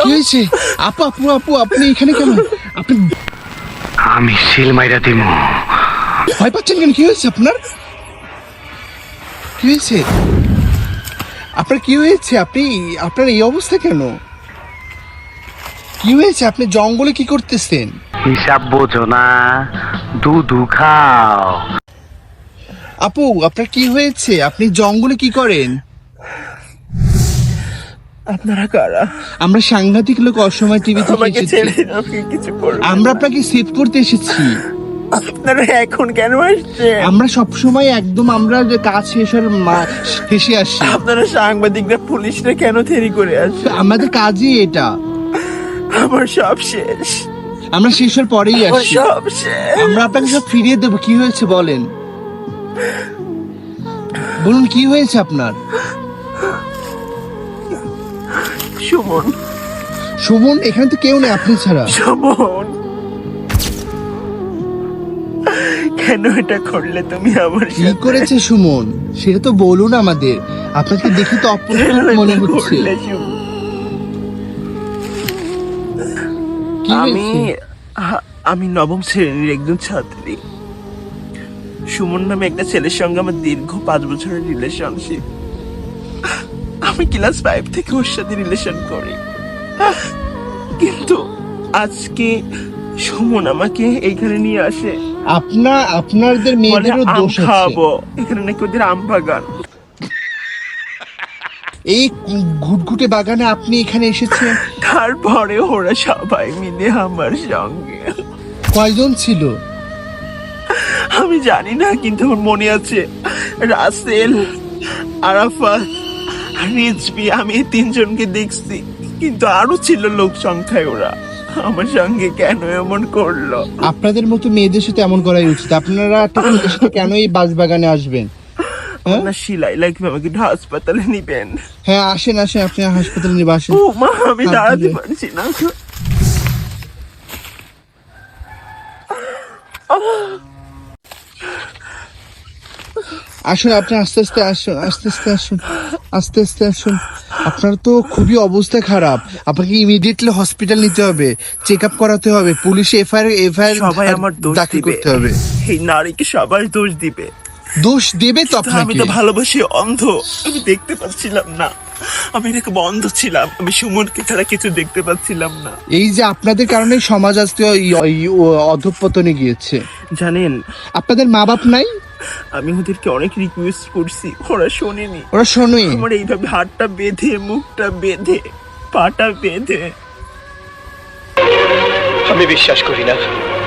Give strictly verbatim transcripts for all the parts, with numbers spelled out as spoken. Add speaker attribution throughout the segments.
Speaker 1: কি হয়েছে? আপু আপু আপু আপনি এখানে কেন? আপনি
Speaker 2: আমি সিল মাইরা দিমু।
Speaker 1: ভয় পাচ্ছেন কেন? কি হয়েছে আপনার? কি হয়েছে আপনার? কি হয়েছে? আপনি আপনার এই অবস্থা কেন? কি হয়েছে? আপনি জঙ্গলে কি করতেছেন?
Speaker 2: হিসাব বোঝো না, দুধু খাও।
Speaker 1: আপু আপনার কি হয়েছে? আপনি জঙ্গলে কি করেন?
Speaker 3: আপনারা কারা?
Speaker 1: আমরা সাংঘাতিক লোক, অসময় টিভি থেকে
Speaker 3: আমাকে
Speaker 1: এসেছি।
Speaker 3: ছেড়ে দিন, আপনি কিছু করবেন
Speaker 1: আমরা
Speaker 3: না।
Speaker 1: আপনাকে সেভ করতে এসেছি।
Speaker 3: আপনারা এখন কেন আসছেন?
Speaker 1: আমরা সব সময় একদম আমরা যে কাজ শেষ হওয়ার মা- শেষে আসি।
Speaker 3: আপনারা সাংবাদিকরা, পুলিশরা কেন দেরি করে আসছে?
Speaker 1: আমাদের কাজই এটা।
Speaker 3: আমার সব শেষ,
Speaker 1: আমরা শেষ হওয়ার পরেই
Speaker 3: আমার
Speaker 1: আসি।
Speaker 3: সব শেষ।
Speaker 1: আমরা আপনাকে সব ফিরিয়ে দেবো। কি হয়েছে বলেন, বলুন কি হয়েছে আপনার?
Speaker 3: সুমন,
Speaker 1: সুমন? এখানে তো কেউ নেই আপনি ছাড়া।
Speaker 3: সুমন, কেন এটা করলে তুমি আমার
Speaker 1: কি
Speaker 3: সাথে?
Speaker 1: করেছে সুমন সেটা তো বলুন আমাদের। আপনাকে দেখে তো অপরাধ
Speaker 3: কেন
Speaker 1: মনে
Speaker 3: এটা
Speaker 1: হচ্ছে।
Speaker 3: করলে, সুমন?
Speaker 1: কি
Speaker 3: আমি
Speaker 1: হয়েছে?
Speaker 3: আ- আমি নবম শ্রেণীর একজন ছাত্রী। সুমন নামে একটা ছেলের সঙ্গে আমার দীর্ঘ পাঁচ বছরের রিলেশনশিপ। আমি ক্লাস ফাইভ থেকে ওর সাথে রিলেশন করি, কিন্তু আজকে সুমন আমাকে এইখানে নিয়ে আসে,
Speaker 1: আপনার আপনাদের
Speaker 3: বলে
Speaker 1: মেয়েদেরও
Speaker 3: আম
Speaker 1: দোষ আছে।
Speaker 3: খাওয়াবো। এখানে নাকি ওদের আম বাগান।
Speaker 1: এই ঘুটঘুটে বাগানে আপনি এখানে এসেছেন?
Speaker 3: তারপরে ওরা সবাই মিলে আমার সঙ্গে,
Speaker 1: কয়জন ছিল?
Speaker 3: আমি জানি না, কিন্তু আমার মনে আছে রাসেল, আরাফাত, রিজভি, আমি এই তিনজনকে দেখছি, কিন্তু আরো ছিল লোক সংখ্যায়। ওরা আমার সঙ্গে কেন এমন করলো?
Speaker 1: আপনাদের মতো মেয়েদের সাথে এমন করাই উচিত। আপনারা একটা ছেলের সাথে কেন এই বাগানে আসবেন? হ্যাঁ?
Speaker 3: না শিলাই লাগবে, আমাকে একটু হাসপাতালে নিবেন।
Speaker 1: হ্যাঁ আসেন আসেন, আপনি হাসপাতালে নিয়ে আসেন।
Speaker 3: ও মা, আমি
Speaker 1: হাত
Speaker 3: দাঁড়াতে
Speaker 1: ধরে।
Speaker 3: পারছি না।
Speaker 1: আসুন আপনি আস্তে আস্তে আসুন, আস্তে আস্তে আসুন, আস্তে আস্তে আসুন। আপনার তো খুবই অবস্থা খারাপ। আপনাকে ইমিডিয়েটলি হসপিটাল নিতে হবে, চেক আপ করাতে হবে, পুলিশে এফআইআর এফআইআর
Speaker 3: সবাই আমার দোষ
Speaker 1: দাখিল
Speaker 3: দিবে,
Speaker 1: করতে হবে।
Speaker 3: এই নারীকে সবাই দোষ দিবে।
Speaker 1: দোষ দেবে তো
Speaker 3: কিন্তু আমি
Speaker 1: আপনাকে।
Speaker 3: তো ভালোবাসি, অন্ধ, আমি দেখতে পাচ্ছিলাম না। আমি এরকম অন্ধ ছিলাম, আমি সুমনকে ছাড়া কিছু দেখতে পাচ্ছিলাম না।
Speaker 1: এই যে আপনাদের কারণে সমাজ আজকে এই- এই অধঃপতনে গিয়েছে।
Speaker 3: জানেন,
Speaker 1: আপনাদের মা বাপ নাই?
Speaker 3: আমি ওদেরকে অনেক রিকোয়েস্ট করছি, ওরা শোনেনি।
Speaker 1: ওরা শোনে?
Speaker 3: আমার এইভাবে হাতটা বেঁধে, মুখটা বেঁধে, পাটা বেঁধে।
Speaker 2: আমি বিশ্বাস করি না,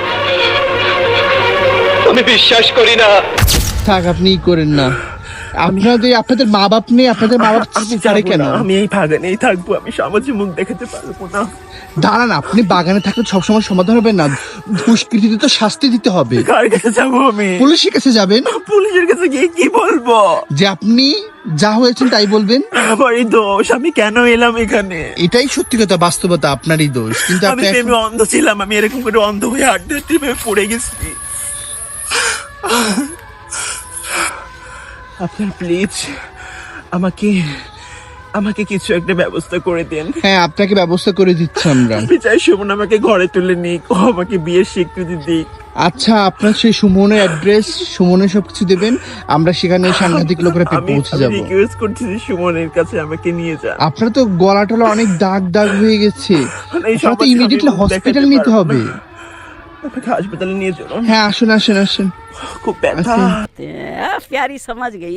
Speaker 2: আমি বিশ্বাস করি না।
Speaker 1: থাক আপনি ই করেন না। আপনাদের আপনাদের মা বাপ নেই? আপনাদের মা বাপ
Speaker 3: আমি
Speaker 1: ছাড়ে
Speaker 3: যাবো
Speaker 1: কেন?
Speaker 3: না, আমি এই বাগানেই থাকবো, আমি সমাজে মুখ দেখাতে পারবো না।
Speaker 1: দাঁড়ান, আপনি বাগানে থাকলে সবসময় সমাধান হবে না। দুষ্কৃতীদের তো শাস্তি দিতে হবে।
Speaker 3: কার কাছে যাবো আমি?
Speaker 1: পুলিশের কাছে যাবেন,
Speaker 3: পুলিশের কাছে গিয়ে কি বলবো?
Speaker 1: যে আপনি যা হয়েছেন তাই বলবেন।
Speaker 3: আমারই দোষ, আমি কেন এলাম এখানে?
Speaker 1: এটাই সত্যি কথা, বাস্তবতা, আপনারই দোষ। কিন্তু
Speaker 3: আমি
Speaker 1: আপনি এখন-
Speaker 3: প্রেমে অন্ধ ছিলাম, আমি এরকম করে অন্ধ হয়ে হাঁটতে হাঁটতে ভেবে পড়ে গেছি। আপনার প্লিজ আমাকে আমাকে কিছু একটা ব্যবস্থা করে দেন।
Speaker 1: হ্যাঁ আপনাকে ব্যবস্থা করে দিচ্ছি আমরা।
Speaker 3: আমি চাই সুমন আমাকে ঘরে তুলে নিক, ও আমাকে বিয়ের স্বীকৃতি দিক।
Speaker 1: আচ্ছা আপনার সেই সুমনের অ্যাড্রেস, সুমনের সবকিছু দেবেন, আমরা সেখানে সাংঘাতিক লোকেরা
Speaker 3: আমি
Speaker 1: পৌঁছে
Speaker 3: আমি
Speaker 1: যাব।
Speaker 3: রিকোয়েস্ট করছি যে সুমনের কাছে আমাকে নিয়ে যান।
Speaker 1: আপনার তো গলা টলা অনেক দাগ দাগ হয়ে গেছে,
Speaker 3: এই
Speaker 1: আপনার তো
Speaker 3: সমাজে
Speaker 1: ইমিডিয়েটলি
Speaker 3: আমি মুখ
Speaker 1: হসপিটাল
Speaker 3: দেখাতে
Speaker 1: নিতে
Speaker 3: পারবো
Speaker 1: হবে।
Speaker 3: না। আমাকে হাসপাতালে নিয়ে চলুন।
Speaker 1: হ্যাঁ আসুন আসুন আসুন।
Speaker 3: খুব ব্যথা।
Speaker 4: आ, प्यारी समझ गई।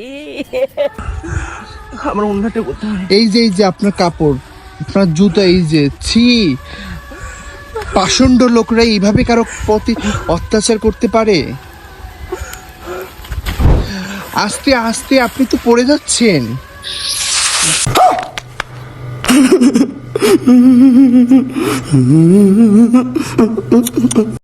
Speaker 3: আমার অন্যটা কোথায়?
Speaker 1: এই যে এই যে আপনার কাপড়, আপনার জুতা, এই যে ছি, পাষণ্ড লোকরা এইভাবে কারো প্রতি অত্যাচার করতে পারে? আস্তে আস্তে, আপনি তো পড়ে যাচ্ছেন।